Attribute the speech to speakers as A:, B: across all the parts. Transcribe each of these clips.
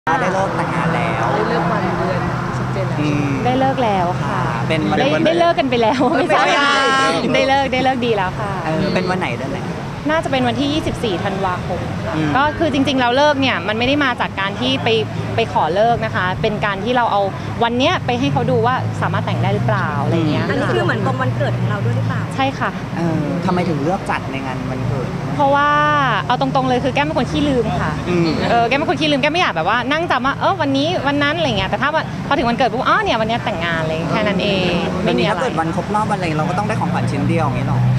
A: ได้เลิกแต่งงานแล้ว
B: ได้เลิกวันเดือนชัดเจนแล้ว
C: ได้เลิกแล้วค่ะได้เลิกกันไปแล้วไม่ใช่ได้เลิกดีแล้วค่ะ
A: เป็นวันไหนเดือนไหน
C: น่าจะเป็นวันที่ 24 ธันวาคมก็คือจริงๆเราเลิกเนี่ยมันไม่ได้มาจากการที่ไปขอเลิกนะคะเป็นการที่เราเอาวันเนี้ยไปให้เขาดูว่าสามารถแต่งได้หรือเปล่าอะไรเงี้ย
B: อันนี้คือเหมือนตรงวันเกิดของเราด้วยหรือเปล่า
C: ใช่ค่ะ
A: ทำไมถึงเลือกจัดในงานวันเกิด
C: เพราะว่าเอาตรงๆเลยคือแก้มเป็นคนขี้ลืมค่ะแก้มเป็นคนขี้ลืมแก้มไม่อยากแบบว่านั่งจำว่าวันนี้วันนั้นอะไรเงี้ยแต่ถ้าพอถึงวันเกิดปุ๊บเนี่ยวันนี้แต่งงานเลยแค่นั้นเอง
A: ไม่มีอะไรถ้าเกิดวันครบรอบอะไรเราก็ต้องได้ของขวัญชิ้นเดียวอย่างนี้หรอ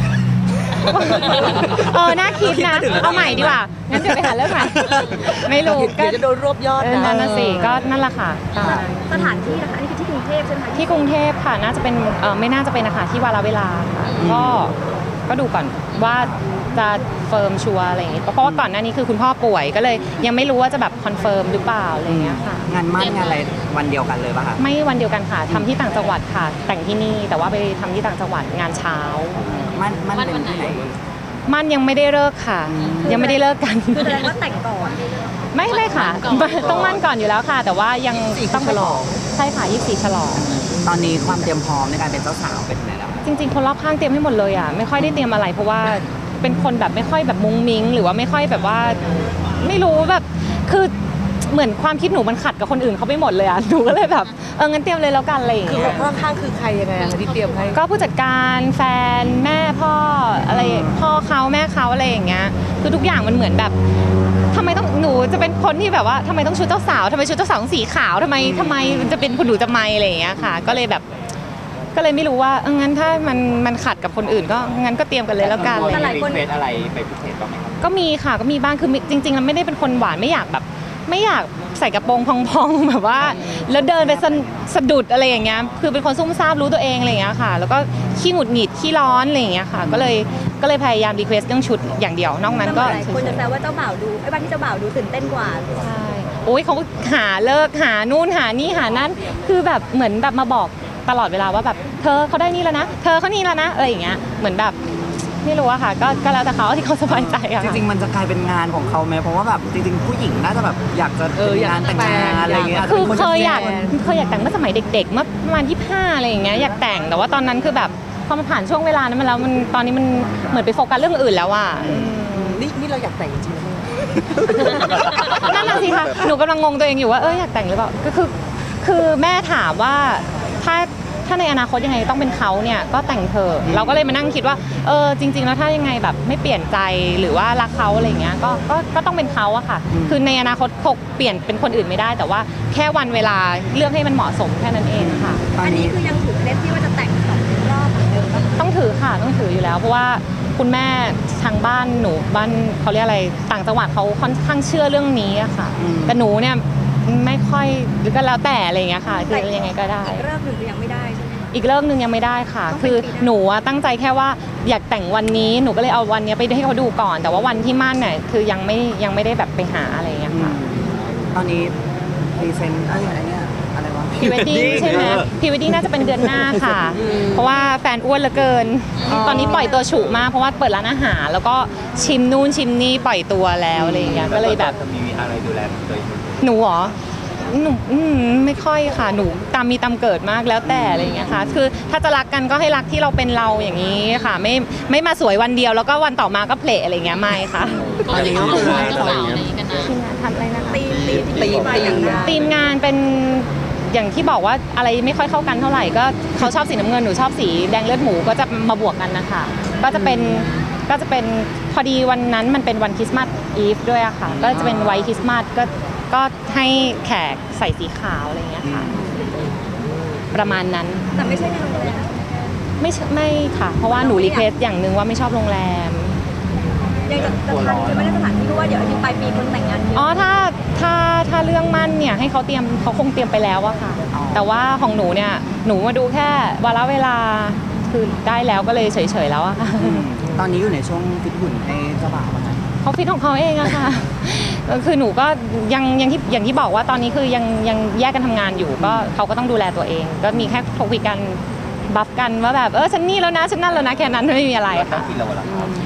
C: น่าคิดนะเอาใหม่ดีกว่างั้นเดี๋ยวไปหาเรื่องใหม่ไม่รู้
B: ก็จะโดนรวบยอด
C: นั่นน่ะสิก็นั่นแหละค่ะ
B: สถานที่นะคะอันนี้คือที่กรุงเทพใช่ไหม
C: ที่กรุงเทพค่ะน่าจะเป็นไม่น่าจะเป็นนะคะที่วาระเวลาค่ะก็ดูก่อนว่าจะเฟิร์มชัวร์อะไรอย่างงี้เพราะว่าก่อนหน้านี้คือคุณพ่อป่วยก็เลยยังไม่รู้ว่าจะแบบคอนเฟิร์มหรือเปล่าอะไรอย่างเงี้ยค่ะ
A: งานมั่นงานอะไรวันเดียวกันเลยป่ะคะ
C: ไม่วันเดียวกันค่ะทำที่ต่างจังหวัดค่ะแต่งที่นี่แต่ว่าไปทำที่ต่างจังหวัดงานเช้า
A: มั่นเป็นที่ไหน
C: มั่นยังไม่ได้เลิกค่ะยังไม่ได้เลิกกัน
B: คือแสดงว่าแต่งก่อน
C: ไม่ค่ะต้องมั่นก่อนอยู่แล้วค่ะแต่ว่ายังต้อง
B: ฉลอง
C: ใช่ค่ะ24ฉลอง
A: ตอนนี้ความเตรียมพร้อมในการเป็นเจ้าสาวเป็นยังไงแล้ว
C: จริงๆคนรอบข้างเตรียมให้หมดเลยอ่ะไม่ค่อยได้เตรียมอะไรเพราะว่าเป็นคนแบบไม่ค่อยแบบมุ้งมิ้งหรือว่าไม่ค่อยแบบว่าไม่รู้แบบคือเหมือนความคิดหนูมันขัดกับคนอื่นเขาไปหมดเลยอ่ะหนูก็เลยแบบงั้นเตรียมเลยแล้วกันอะไรอย่างเงี้ย
B: คือรอบข้างคือใครยังไงที่เตรียมให้
C: ก็ผู้จัดการแฟนแม่พ่ออะไรพ่อเขาแม่เขาอะไรอย่างเงี้ยคือทุกอย่างมันเหมือนแบบทำไมต้องหนูจะเป็นคนที่แบบว่าทำไมต้องชุดเจ้าสาวทำไมชุดเจ้าสาวต้องสีขาวทำไมมันจะเป็นคุณหนูจะไม่อะไรอย่างเงี้ยค่ะก็เลยไม่รู้ว่างั้นถ้ามันขัดกับคนอื่นก็งั้นก็เตรียมกันเลยแล้วกัน
A: เลยหลายคนอะไรไปพิเศษบ้างไหมครับ
C: ก็มีค่ะก็มีบ้างคือจริงๆแล้วไม่ได้เป็นคนหวานไม่อยากใส่กระโปรงพองๆแบบว่าแล้วเดินไปสะดุดอะไรอย่างเงี้ยคือเป็นคนซุ่มซ่ามรู้ตัวเองอะไรอย่างเงี้ยค่ะแล้วก็ขี้หงุดหงิดขี้ร้อนอะไรอย่างเงี้ยค่ะก็เลยพยายามรีเควสเรื่องชุดอย่างเดียวนอกนั้นก็
B: คนจะแซวว่าเจ้าบ่าวดูวันที่เจ้าบ่าวดูตื่นเต้นกว่า
C: ใช่โอ้ยเขาหาเลิกหานู่นหานี่หานั่นคือแบบเหมือนแบบมาบอกตลอดเวลาว่าแบบเธอเขาได้นี่แล้วนะเธอเขานี่แล้วนะอะไรอย่างเงี้ยเหมือนแบบไม่รู้อะค่ะก็แล้วแต่เขาที่เขาสบายใจอะ
A: จริงๆมันจะกลายเป็นงานของเขาไหมเพราะว่าแบบจริงๆผู้หญิงน่าจะแบบอยากจะงานแต่งงานอะไรเงี้ย
C: คือเคยอยากแต่งเมื่อสมัยเด็กๆเมื่อประมาณ25อะไรอย่างเงี้ยอยากแต่งแต่ว่าตอนนั้นคือแบบพอมันผ่านช่วงเวลานั้นมาแล้วมันตอนนี้มันเหมือนไปโฟกัสเรื่องอื่นแล้วอะ
B: นี่เราอยากแต่งจริง
C: ๆนั่นน่ะสิค่ะหนูกำลังงงตัวเองอยู่ว่าอยากแต่งหรือเปล่าก็คือแม่ถามว่าถ้าในอนาคตยังไงต้องเป็นเขาเนี่ยก็แต่งเธอเราก็เลยมานั่งคิดว่าจริงๆแล้วถ้ายังไงแบบไม่เปลี่ยนใจหรือว่ารักเขาอะไรเงี้ยก็ต้องเป็นเขาอะค่ะคือในอนาคตคงเปลี่ยนเป็นคนอื่นไม่ได้แต่ว่าแค่วันเวลาเลือกให้มันเหมาะสมแค่นั้นเองค่ะ
B: อันนี้คือยังถือเคล็ดที่ว่าจะแต่ง2 รอบเหมือนเดิม
C: ต้องถือค่ะต้องถืออยู่แล้วเพราะว่าคุณแม่ทางบ้านหนูบ้านเขาเรียกอะไรต่างจังหวัดเขาค่อนข้างเชื่อเรื่องนี้อะค่ะแต่หนูเนี่ยไม่ค่อยหรือก็แล้วแต่อะไรเงี้ยค่ะคือยังไงก็ได้
B: อีกเรื่องหนึ่งคือยังไม่ได้ใช่ไหม
C: อีกเรื่องนึงยังไม่ได้ค่ะคือหนูตั้งใจแค่ว่าอยากแต่งวันนี้หนูก็เลยเอาวันนี้ไปให้เขาดูก่อนแต่ว่าวันที่มั่นเนี่ยคือยังไม่ได้แบบไปหาอะไรอย่างเงี้ยค่ะ
A: ตอนนี้พรีเซนต์อะไรเนี่ยอะไรวะ
C: พรีเวดดิ้งใช่ไหมพรีเวดดิ้งน่าจะเป็นเดือนหน้าค่ะเพราะว่าแฟนอ้วนเหลือเกินตอนนี้ปล่อยตัวฉุมากเพราะว่าเปิดร้านอาหารแล้วก็ชิมนู่นชิมนี่ปล่อยตัวแล้วอะไรอย่างเงี้ยก็เลยแบบ
A: มีอะไรดูแลตัวเอง
C: หนูเหรอหนูไม่ค่อยค่ะหนูตามมีตามเกิดมากแล้วแต่อะไรอย่างเงี้ยค่ะคือถ้าจะรักกันก็ให้รักที่เราเป็นเราอย่างนี้ค่ะไม่มาสวยวันเดียวแล้วก็วันต่อมาก็เพลอะไรอย่างเงี้ยไม่ค่ะ
A: ตอนนี้ก็คือให้เรา
C: ทีมงานทำอะไรนะคะ
B: ที
C: มงานเป็นอย่างที่บอกว่าอะไรไม่ค่อยเข้ากันเท่าไหร่ก็เขาชอบสีน้ำเงินหนูชอบสีแดงเลือดหมูก็จะมาบวกกันนะคะก็จะเป็นพอดีวันนั้นมันเป็นวันคริสต์มาสอีฟด้วยอะค่ะก็จะเป็นไวท์คริสต์มาสก็ให้แขกใส่สีขาวอะไรอย่างเงี้ยค่ะประมาณนั้น
B: แต่ไม่ใช่ในโรงแรม
C: ไม่ค่ะเพราะว่าหนูรีเควสอย่างนึงว่าไม่ชอบโรงแรม
B: ยังจะทันใช่ไหมในสถานที่ว่าเดี๋ยวอาทิตย์ปลายปีคนแต่งงานเยอะ
C: ถ้าเรื่องมั่นเนี่ยให้เขาคงเตรียมไปแล้วอะค่ะแต่ว่าของหนูเนี่ยหนูมาดูแค่วาระเวลาคือได้แล้วก็เลยเฉยๆแล้วอะค่ะ
A: ตอนนี้อยู่ในช่วงฟิตหุ่นให้เจ้าบ่าวมั้ย
C: เขาฟิตของเขาเองอะค่ะคือหนูก็อย่างที่บอกว่าตอนนี้คือยังแยกกันทำงานอยู่ก็เขาก็ต้องดูแลตัวเองก็มีแค่คุยกันบัฟกันว่าแบบฉันนี่แล้วนะฉันนั่นแล้วนะแค่นั้นไม่มีอะไรค่ะ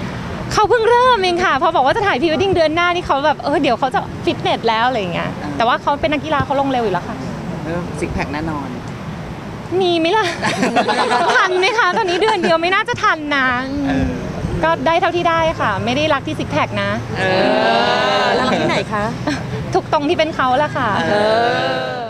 C: เขาเพิ่งเริ่มเองค่ะพอบอกว่าจะถ่ายพรีเวดดิ้งเดือนหน้านี่เขาแบบเดี๋ยวเขาจะฟิตเนสแล้วอะไรอย่างเงี้ยแต่ว่าเขาเป็นนักกีฬาเขาลงเร็วอยู่แล้วค่ะ
A: ซิกแพคแน่นอน
C: มีไหมล่ะ ทันไหมคะตอนนี้เดือนเดียวไม่น่าจะทันนะก็ได้เท่าที่ได้ค่ะ ไม่ได้รักที่ซิกแพคนะ
B: แล้วที่ไหนคะ
C: ทุกตรงที่เป็นเขาแหละค่ะ